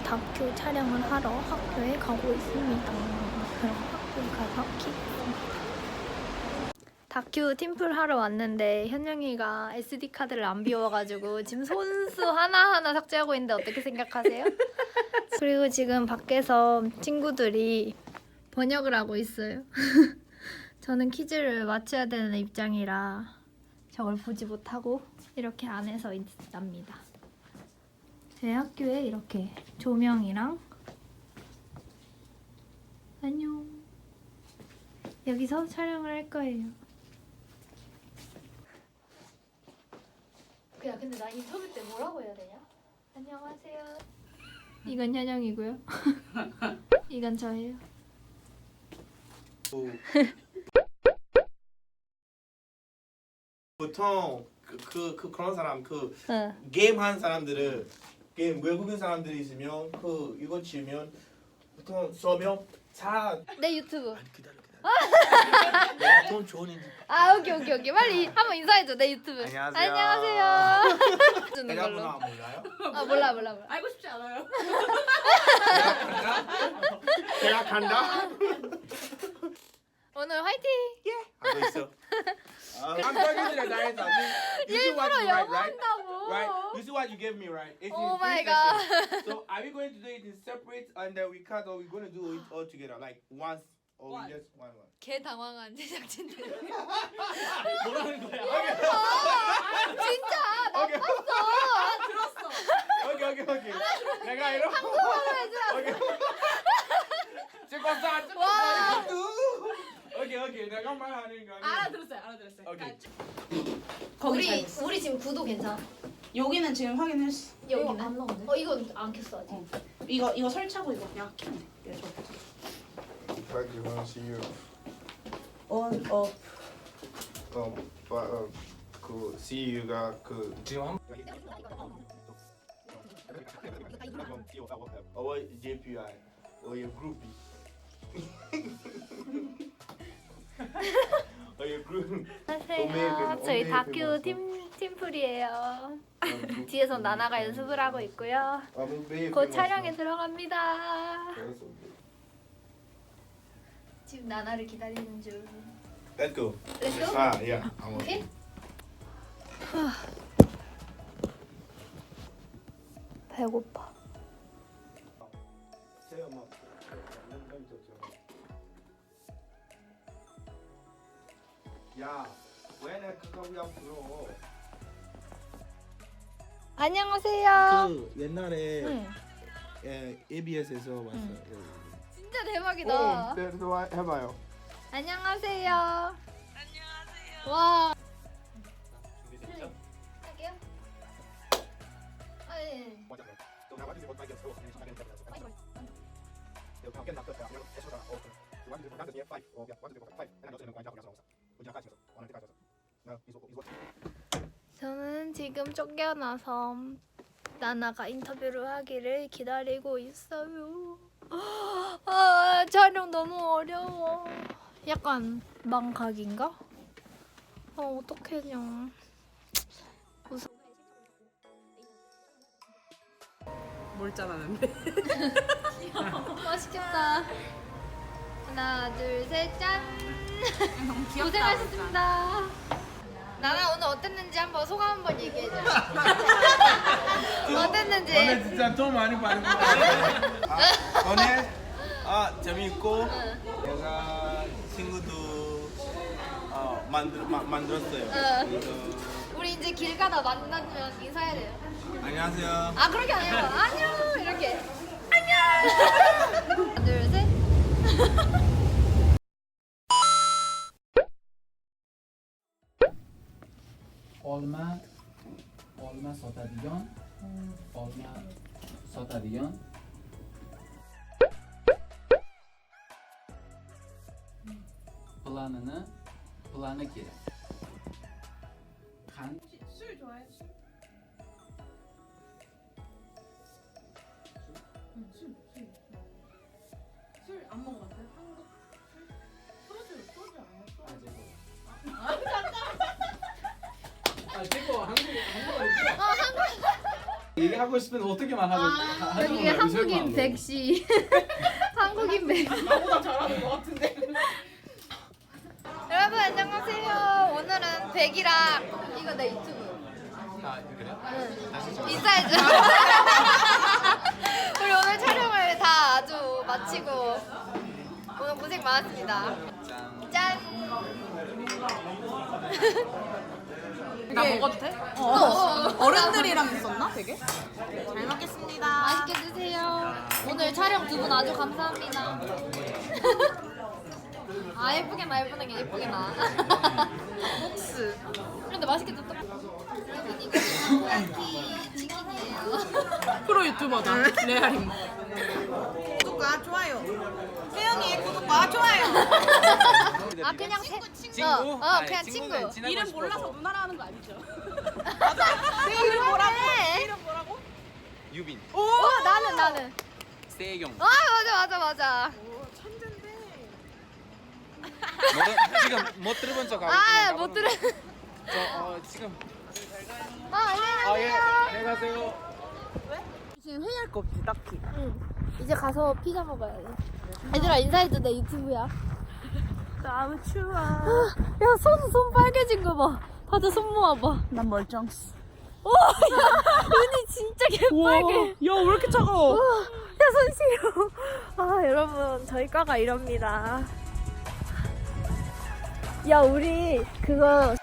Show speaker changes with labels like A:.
A: 다큐 촬영을 하러 학교에 가고 있습니다. 그럼 학교에 가서 키겠습니다. 다큐 팀플 하러 왔는데 현영이가 SD 카드를 안 비워가지고 지금 손수 하나하나 삭제하고 있는데 어떻게 생각하세요? 그리고 지금 밖에서 친구들이 번역을 하고 있어요. 저는 퀴즈를 맞춰야 되는 입장이라 저걸 보지 못하고 이렇게 안에서 있답니다. 제 학교에 이렇게 조명이랑 안녕 여기서 촬영을 할 거예요. 야 근데 나 인터뷰 때 뭐라고 해야 되냐? 안녕하세요. 이건 현영이고요. 이건 저예요.
B: 보통 그런 사람
A: 응.
B: 게임 하는 사람들은 게임 외국인 사람들이 있으면 이거 치면 보통 서명 잘
A: 내 유튜브.
B: 기다려 내가 돈 좋은지
A: 아 오케이 빨리 한번 인사해줘 내 유튜브.
B: 안녕하세요.
A: 안녕하세요. 주는
B: 내가
A: 걸로.
B: 문화 몰라요?
A: 아 몰라.
C: 알고 싶지 않아요.
B: 내가 간다?
A: 오늘 화이팅.
B: 하고 있어. I'm talking to the director. You see what
A: 일부러
B: you write,
A: 영어
B: right?
A: 한다고.
B: Right. You see what you gave me, right? It's
A: Oh
B: in
A: my
B: three
A: God.
B: sessions. So are we going to do it in separate and then we cut, or we going to do it all together, like once, or we just one?
A: 개 당황한 제작진들.
B: 뭐라는 거야?
A: 진짜 나
B: 오케이.
A: 봤어.
C: 들었어.
B: 오케이. 내가 이러.
A: 한국어로 해줘.
B: 오케이. 찍었어.
A: 와.
B: 오케이. 내가 말하는 거.
C: 알아들었어요.
B: 오케이.
C: 거기 잘 됐어.
A: 우리 지금 구도 괜찮아?
C: 여기는 지금 확인했어.
A: 여기는?
C: 안 나오네.
A: 이건 안 켰어 아직.
C: 이거 설치하고 이거 그냥 키면 돼. 이거
D: Like you want to see you.
C: on
D: 그 CU가 그
B: 지금 한. JPI. your groupie. your group.
A: 안녕하세요. 저희 다큐 팀플이에요. 뒤에서 나나가 연습을 하고 있고요. 곧 촬영에 들어갑니다. 지금 나나를 기다리는 중.
B: Let's go.
A: Let's go.
B: Yeah.
A: 오케이? 배고파.
B: 야, 왜 내 그거 그냥 불러?
A: 안녕하세요.
B: 그 옛날에
A: 응.
B: ABS에서 왔어요.
A: 진짜 대박이다.
D: 또 해봐요.
A: 안녕하세요. 와.
B: 준비됐죠?
A: 할게요. 아 예. 저는 지금 쫓겨나서 나나가 인터뷰를 하기를 기다리고 있어요. 아, 촬영 너무 어려워. 약간 망각인가? 어떡해요.
C: 몰짠하는데.
A: 맛있겠다. 하나, 둘, 셋, 짠.
C: 너무 귀엽다.
A: 고생하셨습니다. 나나 오늘 어땠는지 한번 소감 한번 얘기해줘. 어땠는지.
B: 오늘 진짜 돈 많이 받은 거 같아. 오늘 재밌고 내가 친구도 만들었어요. 그래서
A: 우리 이제 길 가다 만나면 인사해야 돼요.
B: 안녕하세요.
A: 아 그렇게 아니고 안녕 이렇게 안녕. 하나, 둘, 셋.
E: olma sotadigan plani kerak.
C: 술 좋아해? 술? 술 안 먹어봤어요? 한국 술? 소주 아니야? 소주.
E: 한국 얘기하고 싶으면 어떻게 말하는
A: 여기 한국인 백씨. 한국인 백.
C: 나보다 잘하는 것 같은데.
A: 여러분 안녕하세요. 오늘은 백이랑 이거 내 유튜브.
E: 아 그래요?
A: 인사해줘. 우리 오늘 촬영을 다 아주 마치고 오늘 고생 많았습니다. 짠.
C: 나 먹어도 돼? 어른들이랑 있었나 되게? 잘 먹겠습니다.
A: 맛있게 드세요. 오늘 촬영 두 분 아주 감사합니다. 아 예쁘게 나 예쁘게 게 예쁘게 나.
C: 복스.
A: 근데 맛있게 줬다. 여러분 이거 타코야키 치킨이에요.
C: 프로 유튜버다. 레알임. 구독과 좋아요. 세영이의 구독과 좋아요.
A: 아 그냥 친구? 그냥 친구.
C: 이름 몰라서 누나라 하는 거 아니죠? 내 이름 뭐라고? 내 이름 뭐라고?
E: 유빈,
A: 나는.
E: 세경.
A: 아 맞아.
C: 오, 천재인데.
E: 지금 못 들어본 척 하고.
A: 아 못 들어.
E: 지금.
A: 안녕히
E: 안녕히 가세요.
C: 지금 회의할 거 없지 딱히.
A: 이제 가서 피자 먹어야 돼. 얘들아 인사해줘 내 유튜브야.
C: 너무 추워.
A: 야 손 빨개진 거 봐. 다들 손 모아봐.
C: 난 멀쩡스.
A: 오, 야, 눈이 진짜 개빨개.
C: 야, 왜 이렇게 차가워?
A: 야, 손 시려. 아, 여러분, 저희 과가 이럽니다. 야, 우리 그거